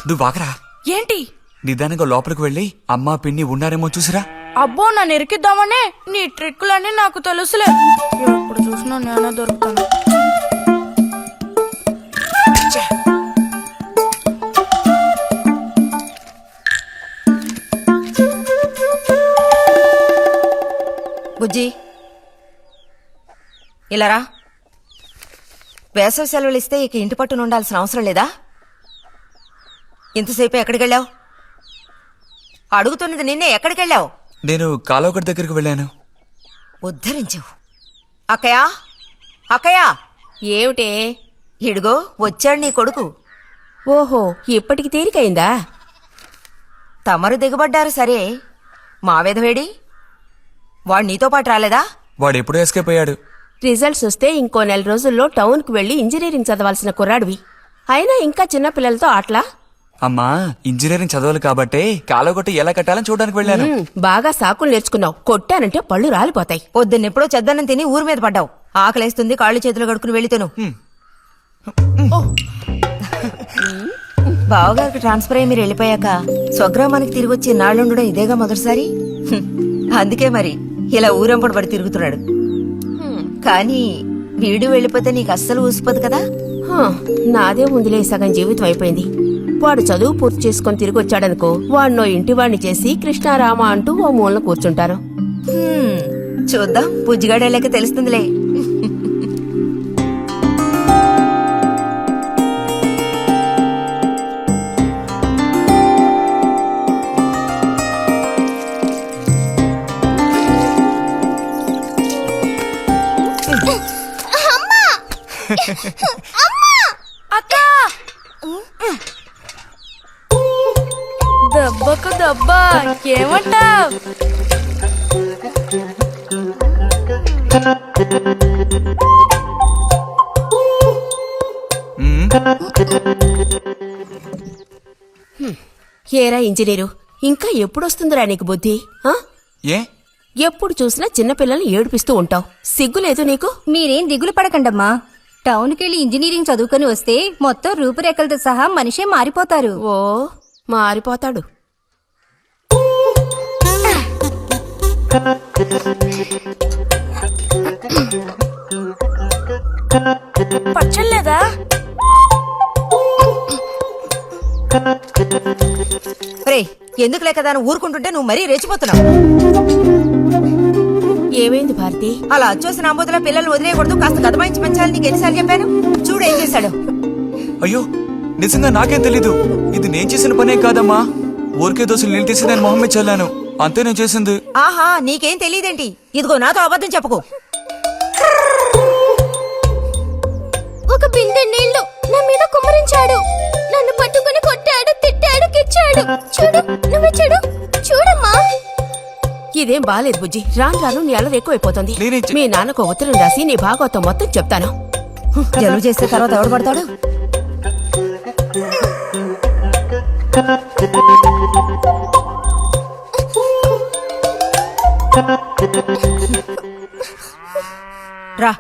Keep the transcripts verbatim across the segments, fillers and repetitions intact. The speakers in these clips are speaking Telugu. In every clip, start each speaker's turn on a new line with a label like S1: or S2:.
S1: నువ్వు ఆగరా.
S2: ఏంటి?
S1: నిదానంగా లోపలికి వెళ్ళి అమ్మా పిన్ని ఉన్నారేమో చూసిరా.
S2: అబ్బో నన్ను ఇరికిద్దామనే నీ ట్రిక్కులన్నీ నాకు తెలుసులే. ఎప్పుడు చూసినా నేనే దొరుకుతాను.
S3: బుజ్జి ఇలారా. వేసవి సెలవులు ఇస్తే ఇక ఇంటి పట్టున ఉండాల్సిన అవసరం లేదా? ఇంతసేపు ఎక్కడికెళ్ళావు? అడుగుతున్నది నిన్నే. ఎక్కడికెళ్ళావు?
S1: నేను కాలువగడ్డ దగ్గరికి వెళ్ళాను.
S3: ఉద్ధరించావు. అక్కయా అక్కయా.
S4: ఏమిటే?
S3: ఇడుగో వచ్చాడు నీ కొడుకు.
S4: ఓహో, ఇప్పటికి తీరికైందా?
S3: తమరు దిగబడ్డారు సరే, మావేదవేడి? వాడు నీతో పాటు రాలేదా?
S1: వాడు ఎప్పుడూ ఎస్కేప్ అయ్యాడు.
S4: రిజల్ట్స్ వస్తే ఇంకో నెల రోజుల్లో టౌన్ కు వెళ్లి ఇంజనీరింగ్ చదవాల్సిన కుర్రాడివి. అయినా ఇంకా చిన్న పిల్లలతో ఆటలా?
S1: అమ్మా, ఇంజనీరింగ్ చదవాలి కాబట్టే కాలువగట్టు ఎలా కట్టాలని చూడడానికి వెళ్ళాను.
S4: ఉమ్, బాగా సాకులు నేర్చుకున్నావు. కొట్టానంటే పళ్ళు రాలిపోతాయి.
S3: పొద్దున్నెప్పుడో చెద్దన్నం తిని ఊరి మీద పడ్డావు. ఆకలేస్తుంది, కాళ్ళు చేతులు కడుక్కుని వెళ్ళితేను. బావగారికి ట్రాన్స్ఫర్ అయ్యి మీరు వెళ్ళిపోయాక స్వగ్రామానికి తిరిగి వచ్చి నాళ్ళుండడం ఇదేగా మొదటిసారి. హ్మ్. అందుకే మరి ఇలా ఊరంపడి పడి తిరుగుతున్నాడు. కానీ వీడు వెళ్ళిపోతే నీకు అస్సలు ఊసిపోదు కదా.
S4: హా, నాదే ముందులే సగం జీవితం అయిపోయింది. వాడు చదువు పూర్తి చేసుకుని తిరిగి వచ్చాడనుకో, వాడినో ఇంటి వాడిని చేసి కృష్ణారామ అంటూ ఓ మూలన కూర్చుంటారు.
S3: హ్మ్. చూద్దాం, బుజ్జిగాడేళ్ళకి తెలుస్తుందిలే.
S2: అక్క దెబ్బకు దెబ్బ ఏమంటావ్?
S4: ఏరా ఇంజనీరు, ఇంకా ఎప్పుడొస్తుందిరా నీకు బుద్ధి? ఆ?
S1: ఏ
S4: ఎప్పుడు చూసినా చిన్నపిల్లల్ని ఏడిపిస్తూ ఉంటావు. సిగ్గులేదు నీకు?
S5: మీరేం దిగులు పడకండమ్మా. టౌన్కెళ్ళి ఇంజనీరింగ్ చదువుకొని వస్తే మొత్తం రూపురేఖలతో సహా మనిషే మారిపోతారు.
S4: ఓ, మారిపోతాడు.
S2: పచ్చలేదా?
S3: రే, ఎందుకు లేక దాన్ని ఊరుకుంటుంటే నువ్వు మరీ రెచ్చిపోతున్నావు.
S4: ఏమైంది భారతి?
S3: అలా వచ్చేసిన అంబోతుల పిల్లలు వదిలేయకూడదు, కాస్త గదమాయించి పెంచాలని నీకు ఎన్నిసార్లు చెప్పాను? చూడు ఏం చేశాడు.
S1: అయ్యో, నిజంగా నాకేం తెలీదు. ఇది నేను చేసిన పనేం కాదమ్మా. ఊరికే దోశలు నీళ్ళు తీసి నేను మొహం మీద చల్లాను, అంతే నేను చేసింది.
S3: ఆహా, నీకేం తెలియదేంటి? ఇదిగో నాతో అబద్ధం చెప్పుకో.
S5: ఒక బిందె నీళ్లు నా మీద కుమ్మరించాడు. నన్ను పట్టుకుని కొట్టాడు, తిట్టాడు, కిచ్చాడు. చూడు, నువ్వే చూడు. చూడమ్మా.
S4: ఇదేం బాలేదు బుజ్జి. రాను రాను నీ అల్లరి ఎక్కువైపోతుంది.
S1: నేనేం చే-
S4: మీ నాన్నకు ఉత్తరం రాసి నీ భాగవతం మొత్తం చెప్తాను.
S3: జలుబు చేస్తే తర్వాత ఎవడు పడతాడు? రా.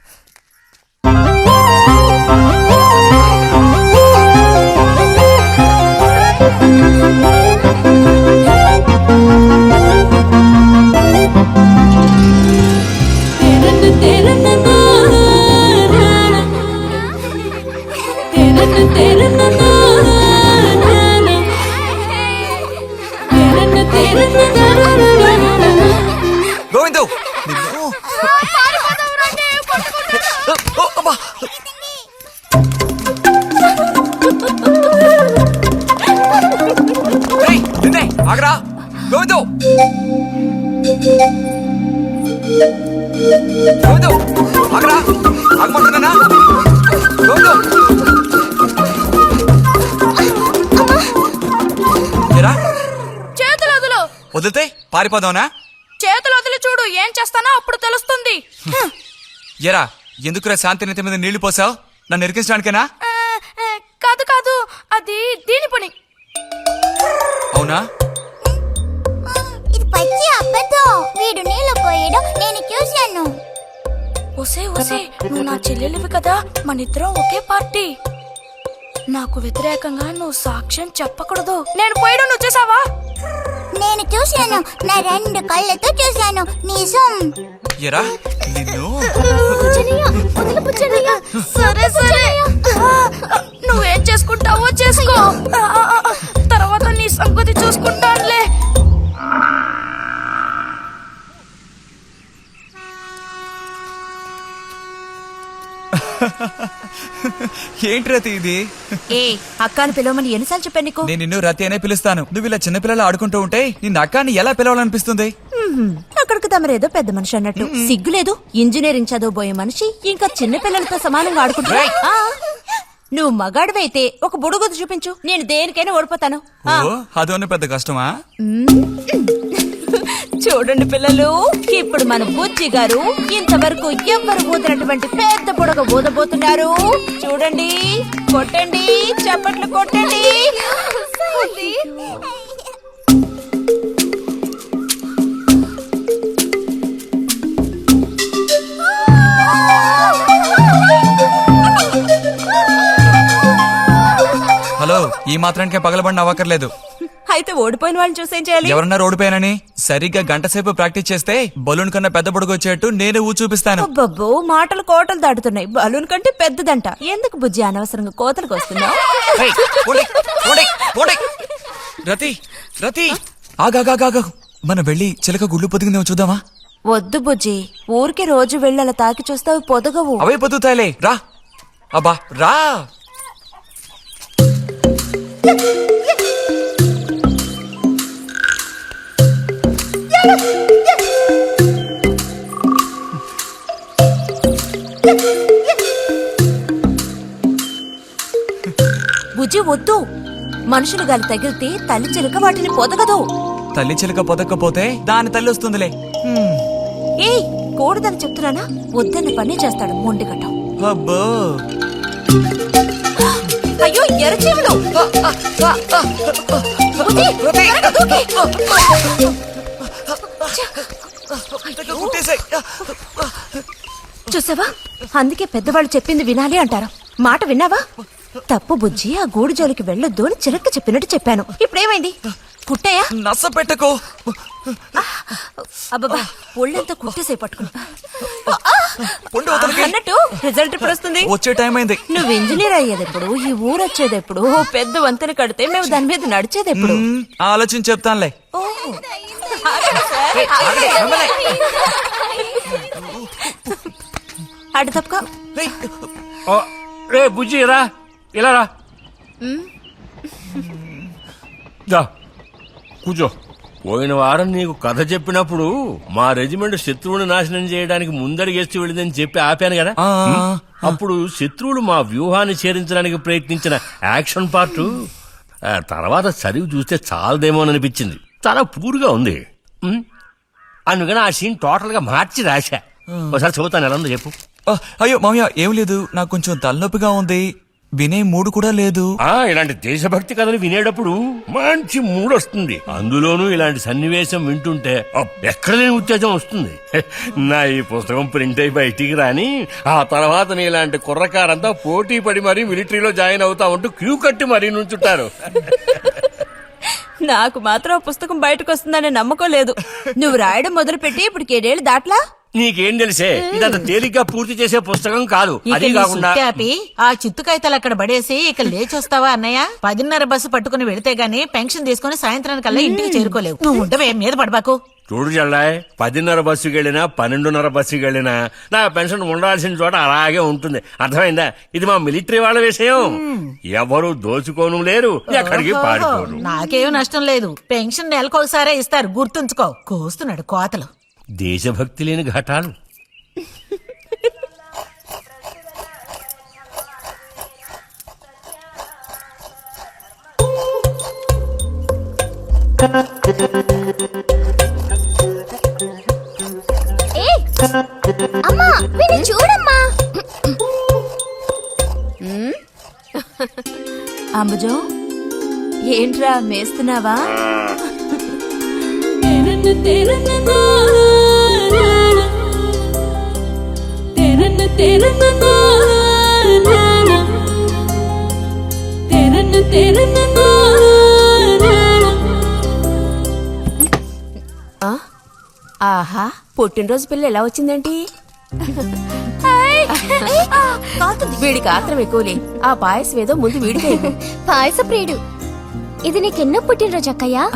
S1: గోవిందు, నిన్ను- ఓ, అమ్మా. రేయ్, నిన్నే, ఆగరా. గోవిందు, గోవిందు, ఆగరా. ఆగమంటున్నానా? గోవిందు, ఏరా,
S2: చేతులు వదులు.
S1: వదిలితే పారిపోదావునా?
S2: చేతులు వదిలి చూడు, ఏం చేస్తానో అప్పుడు తెలుస్తుంది.
S1: ఎరా, ఎందుకురా శాంతి నెత్తి మీద నీళ్లు పోసావు? నన్ను ఎరికించడానికేనా?
S2: ఆ, ఆ, కాదు కాదు, అది దీని పని.
S1: అవునా?
S5: ఇది పచ్చి అబద్ధం. వీడు నీళ్లు పోయడం నేను చూశాను.
S2: ఒసే ఒసే, నువ్వు నా చెల్లెలివి కదా, మన ఇద్దరం ఒకే పార్టీ. నాకు వ్యతిరేకంగా నువ్వు సాక్ష్యం చెప్పకూడదు. నేను పోయడం నువ్వు చూసావా?
S5: నేను చూశాను, నా రెండు కళ్ళతో చూశాను. నిజం.
S1: ఎరా నిన్ను
S2: సరే సరే, నువ్వేం చేసుకుంటావో చేసుకో. తర్వాత నీ సంగతి చూసుకుంటానులే.
S1: ఏంటి రతి ఇది?
S3: ఏ అక్కాని పిలవమని ఎన్నిసార్లు చెప్పాను నీకు?
S1: నేను నిన్ను రతి అనే పిలుస్తాను. నువ్వు ఇలా చిన్నపిల్లలు ఆడుకుంటూ ఉంటే నిన్న అక్కాన్ని ఎలా పిలవాలనిపిస్తుంది?
S3: అక్కడికి తమరేదో పెద్ద మనిషి అన్నట్టు. సిగ్గులేదు? ఇంజనీరింగ్ చదవబోయే మనిషి ఇంకా చిన్న పిల్లలతో సమానంగా ఆడుకుంటా. నువ్వు మగాడివైతే ఒక బుడుగుద్దు చూపించు, నేను దేనికైనా ఓడిపోతాను.
S1: ఓ అదోని పెద్ద కష్టమా?
S3: చూడండి పిల్లలు, ఇప్పుడు మన బుజ్జి గారు ఇంతవరకు ఎవ్వరు ఊదినటువంటి పెద్ద బుడగ ఊదబోతున్నారు. చూడండి, కొట్టండి, చప్పట్లు కొట్టండి.
S1: హలో, ఈ మాత్రానికే పగలబడిన అవ్వకర్లేదు.
S3: అయితే ఓడిపోయిన వాళ్ళని చూసేం చేయాలి?
S1: ఎవరన్నా ఓడిపోయానని సరిగ్గా గంట సేపు ప్రాక్టీస్ చేస్తే బలూన్ కన్నా పెద్ద బుడగ వచ్చేట్టు నేనే ఊ చూపిస్తాను.
S3: అబ్బబ్బో, మాటలు కోటలు దాటుతున్నాయి. బలూన్ కంటే పెద్దదంట. ఎందుకు బుజ్జి అనవసరంగా కోతలకు వస్తున్నావు?
S1: ఏయ్, పోండి, పోండి, పోండి. రతి రతి ఆగాగాగా, మనం వెళ్ళి చిలక గుళ్ళు పొదిగిందేమో చూద్దామా?
S3: వద్దు బుజ్జి, ఊరికి రోజు వెళ్ళి అలా తాకి చూస్తావు, పొదగవు.
S1: అవే పొద్దుతాయిలే, రా. అబ్బా రా.
S3: బుజ్జి వద్దు, మనుషులు గాలి తగిలితే తల్లి చిలుక వాటిని పొదగదు.
S1: తల్లి చిలక పొదక్కపోతే దాని తల్లి వస్తుందిలే.
S3: ఏయ్, కూడదని చెప్తున్నానా? వద్దన్న పని చేస్తాడు మొండిగట్టం.
S1: అబ్బో,
S3: అయ్యో ఎర్రచీమలు! బుజ్జి, త్వరగా దూకి.
S1: కుట్టేసాయి.
S3: చూసావా, అందుకే పెద్దవాళ్ళు చెప్పింది వినాలి అంటారు. మాట విన్నావా? తప్పు బుజ్జి, ఆ గూడు జోలికి వెళ్ళొద్దు అని చిలక చెప్పినట్టు చెప్పాను. ఇప్పుడేమైంది? కుట్టాయా?
S1: నస పెట్టకో.
S3: అబ్బబ్బా, ఒళ్ళంతా కుట్టేసే పట్టుకుని
S1: పొండి అవతలికి.
S3: అన్నట్టు రిజల్ట్ ఇప్పుడు వస్తుంది.
S1: వచ్చే టైం అయింది.
S3: నువ్వు ఇంజనీర్ అయ్యేది ఎప్పుడు? ఈ ఊరు వచ్చేది ఎప్పుడు? ఓ పెద్ద వంతెన కడితే మేము దాని మీద నడిచేది ఎప్పుడు?
S1: మ్మ్, ఆలోచించి చెప్తానులే.
S3: ఓహో. ఆగండి సార్, ఆగండి. అటు తప్పుకో.
S6: ఓ, రే బుజ్జి రా, ఇలా రా. దా, కూర్చో. పోయిన వారం నీకు కథ చెప్పినప్పుడు మా రెజిమెంట్ శత్రువుని నాశనం చేయడానికి ముందడిగేస్తూ వెళ్ళిందని చెప్పి ఆపాను కదా.
S1: ఆ,
S6: అప్పుడు శత్రువులు మా వ్యూహాన్ని చేరించడానికి ప్రయత్నించిన యాక్షన్ పార్ట్ తర్వాత చదివి చూస్తే చాలదేమోననిపించింది. చాలా పూర్గా ఉంది. ఉమ్, అందుకని ఆ సీన్ టోటల్ గా మార్చి రాశా. ఒకసారి చదువుతాను, ఎలా ఉందో చెప్పు.
S1: ఆ, అయ్యో మామయ్య, ఏం లేదు, నాకు కొంచెం తలనొప్పిగా ఉంది. వినే మూడు కూడా లేదు.
S6: ఆ ఇలాంటి దేశభక్తి కథలు వినేటప్పుడు మంచి మూడ్ వస్తుంది. అందులోనూ ఇలాంటి సన్నివేశం వింటుంటే అబ్బ్, ఎక్కడ లేని ఉత్తేజం వస్తుంది. నా ఈ పుస్తకం ప్రింట్ అయి బయటికి రాని ఆ తర్వాత నీ ఇలాంటి కుర్రకారంతా పోటీ పడి మరీ మిలిటరీలో జాయిన్ అవుతా ఉంటూ క్యూ కట్టి మరీ నుంచుంటారు.
S3: నాకు మాత్రం ఆ పుస్తకం బయటకు వస్తుందనే నమ్మకం లేదు. నువ్వు రాయడం మొదలుపెట్టి ఇప్పుడు ఏడేళ్ళు దాట్లా.
S6: నీకేం తెలిసే, ఇదంత తేలిగ్గా పూర్తి చేసే పుస్తకం కాదు. అది కాకుండా
S7: ఆపి ఆ చిత్తుకాయతలు అక్కడ పడేసి ఇక లేచొస్తావా అన్నయ్య? పదిన్నర బస్సు పట్టుకుని వెళితే గానీ పెన్షన్ తీసుకుని సాయంత్రానికల్లా ఇంటికి చేరుకోలేవు. నువ్వు ఉండవే, మీద పడబాకు.
S6: చూడు జల్లాయ్, పదిన్నర బస్సుకి వెళ్ళినా పన్నెండున్నర బస్సుకి వెళ్ళినా నా పెన్షన్ ఉండాల్సిన చోట అలాగే ఉంటుంది. అర్థమైందా? ఇది మా మిలిటరీ వాళ్ళ విషయం. ఎవరు దోచుకోను లేరు, ఎక్కడికి పారిపోరు.
S7: నాకేం నష్టం లేదు. పెన్షన్ నెలకొకసారే ఇస్తారు, గుర్తుంచుకో. కోస్తున్నాడు కోతలు.
S6: దేశభక్తి లేని ఘటాలు.
S5: ఏయ్, అమ్మా వీడిని చూడమ్మా.
S3: అంబుజం, ఏంట్రా మేస్తున్నావా?
S4: ఆ? ఆహా పుట్టినరోజు పిల్ల ఎలా వచ్చిందేంటి వీడికి ఆత్రం ఎక్కువలే ఆ పాయసం ఏదో ముందు వీడికే ఇవ్వు.
S5: పాయస ప్రియుడు. ఇది నీకెన్నో పుట్టినరోజు అక్కయ్యా?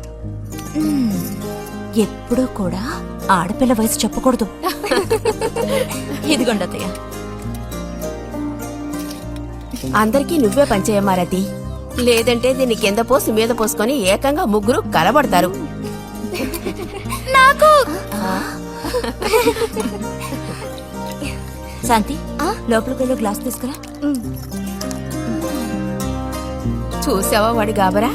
S3: ఎప్పుడూ కూడా ఆడపిల్ల వయసు చెప్పకూడదు. ఇదిగోండి అత్తయ్య.
S4: అందరికీ నువ్వే పంచేయమారతి లేదంటే దీన్ని కింద పోసి మీద పోసుకొని ఏకంగా ముగ్గురు కలబడతారు.
S5: నాకు
S3: శాంతి లోపలికి వెళ్ళి గ్లాస్ తీసుకురా.
S4: చూసావా వాడి గాబరా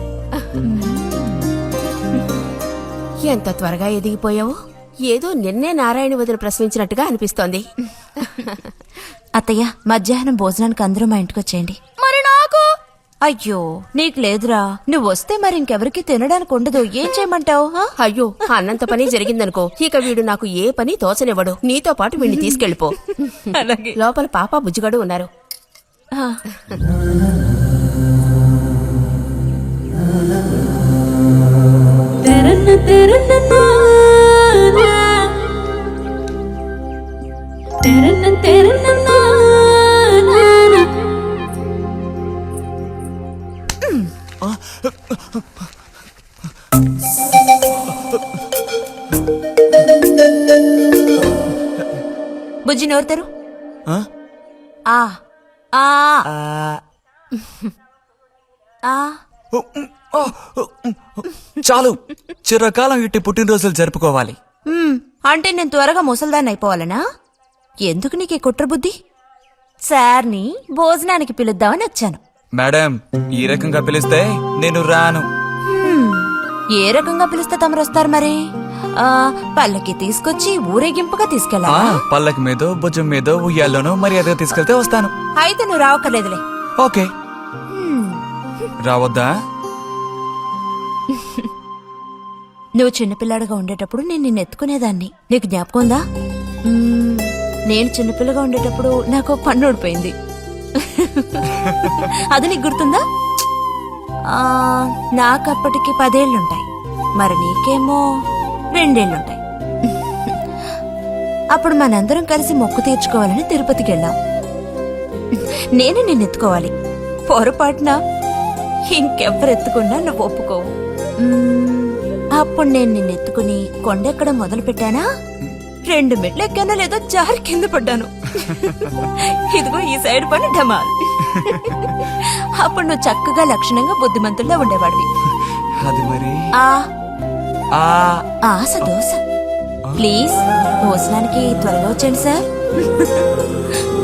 S4: ఎంత త్వరగా ఎదిగిపోయావు. ఏదో నిన్నే నారాయణ వదిన ప్రసవించినట్టుగా అనిపిస్తోంది.
S3: అత్తయ్య మధ్యాహ్నం భోజనానికి అందరూ మా ఇంటికి వచ్చేయండి.
S2: మరి నాకు
S3: అయ్యో నీకు లేదురా, నువ్వు వస్తే మరి ఇంకెవరికి తినడానికి ఉండదు. ఏం చేయమంటావు?
S4: అయ్యో అన్నంత పని జరిగిందనుకో ఇక వీడు నాకు ఏ పని తోచనివ్వడు. నీతో పాటు వీడిని తీసుకెళ్లిపో. లోపల పాప బుజ్జిగడు ఉన్నారు.
S3: బుజ్జి నోరుతారు.
S1: ఆ?
S3: ఆ ఆ ఆ
S1: చాలు, చిరకాలం ఇట్టి పుట్టినరోజులు జరుపుకోవాలి.
S3: మ్మ్, అంటే నేను త్వరగా ముసల్దాన్ని అయిపోవాలనా? ఎందుకు నీకు ఈ కుట్ర బుద్ధి? సార్ని భోజనానికి పిలుద్దామని వచ్చాను.
S1: మేడం, ఈ రకంగా పిలిస్తే నేను రాను.
S3: హ్మ్, ఏ రకంగా పిలిస్తే తమరు వస్తారు మరి? ఆ పల్లకి తీసుకొచ్చి ఊరేగింపుగా
S1: ఆ
S3: తీసుకెళ్ళాలా?
S1: పల్లకి మీదో భుజం మీదో ఉయ్యాల్లోనో మర్యాదగా తీసుకెళ్తే వస్తాను.
S3: అయితే నువ్వు రావక్కర్లేదులే.
S1: ఓకే. రావద్దా?
S3: నువ్వు చిన్నపిల్లాడుగా ఉండేటప్పుడు నేను నిన్ను ఎత్తుకునేదాన్ని. నీకు జ్ఞాపకం ఉందా? మ్మ్, నేను చిన్నపిల్లగా ఉండేటప్పుడు నాకు ఒక పన్ను ఊడిపోయింది. అది నీకు గుర్తుందా? ఆ, నాకప్పటికి పదేళ్లుంటాయి, మరి నీకేమో రెండేళ్లుంటాయి. అప్పుడు మనందరం కలిసి మొక్కు తీర్చుకోవాలని తిరుపతికి వెళ్ళాం. నేను నిన్ను ఎత్తుకోవాలి. పొరపాటున ఇంకెవ్వరు ఎత్తుకున్నా నువ్వు ఒప్పుకోవు. మ్మ్, అప్పుడు నేను నిన్ను ఎత్తుకుని కొండెక్కడం మొదలు పెట్టానా, రెండు మెట్లు ఎక్కానో లేదో జారి కింద పడ్డాను. ఇదిగో ఈ సైడ్ పని ఢమాల్. అప్పుడు నువ్వు చక్కగా లక్షణంగా బుద్ధిమంతుల్లో ఉండేవాడివి.
S1: అది మరి
S3: ఆ
S1: ఆ
S3: ఆశ దోశ. ప్లీజ్ భోజనానికి త్వరగా వచ్చేయండి సార్.